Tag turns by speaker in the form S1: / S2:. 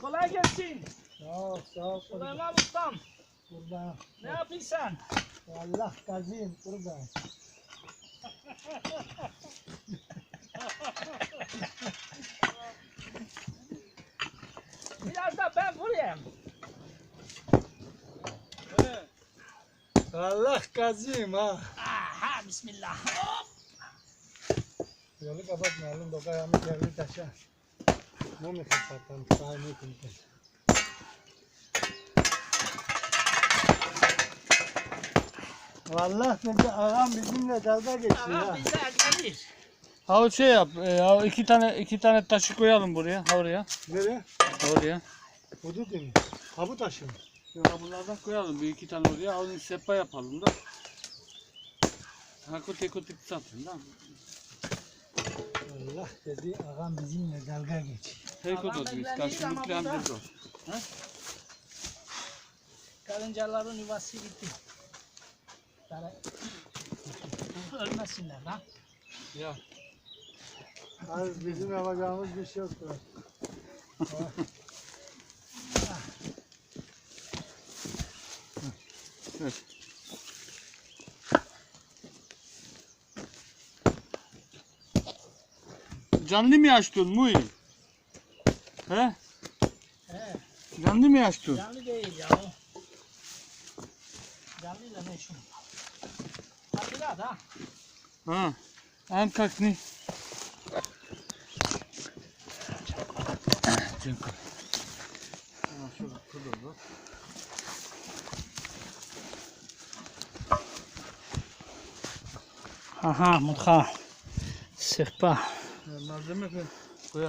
S1: kolay gelsin.
S2: Sağ ol.
S1: Süleyman Ustam.
S2: Burada.
S1: Ne yapıyorsun?
S2: Allah kazıyım burada.
S1: Biraz da ben vurayım.
S2: Allah kazıyım ha.
S1: Aha bismillah. Hop.
S2: Yolu kapatmayalım da ayağımı yerli taşa. Ne mi kapatalım? Sahne kimse. Vallahi dedi ağam bizimle dalga geçiyor
S1: Aha
S2: ha.
S1: bize gelir.
S3: Ha şey yap. Ya iki tane taşı koyalım buraya. Ha oraya.
S2: Nereye?
S3: Oraya.
S2: Hudut mu? Ha bu taşı mı?
S3: Ya bunlardan koyalım. Bir iki tane oraya. Onu sepa yapalım da. Ha teko satın da.
S2: Allah dedi ağam bizimle dalga geçiyor.
S3: Teko
S1: Adam
S3: da biz.
S1: evlenir
S3: Karşı
S1: ama
S3: nükleer
S1: burada-
S3: bir
S1: Karıncaların yuvası gitti. Ölmesinler lan.
S3: Ya.
S2: Az bizim yapacağımız bir şey yoktur.
S3: Canlı mı açtın mu? He?
S1: He,
S3: Canlı mı açtın?
S1: canlı değil ya. Canlıyla ne işin? Hadi da.
S3: Ha. Am как не. Dziękuję.
S1: Aha mutfağa. Sehpa.
S3: Malzeme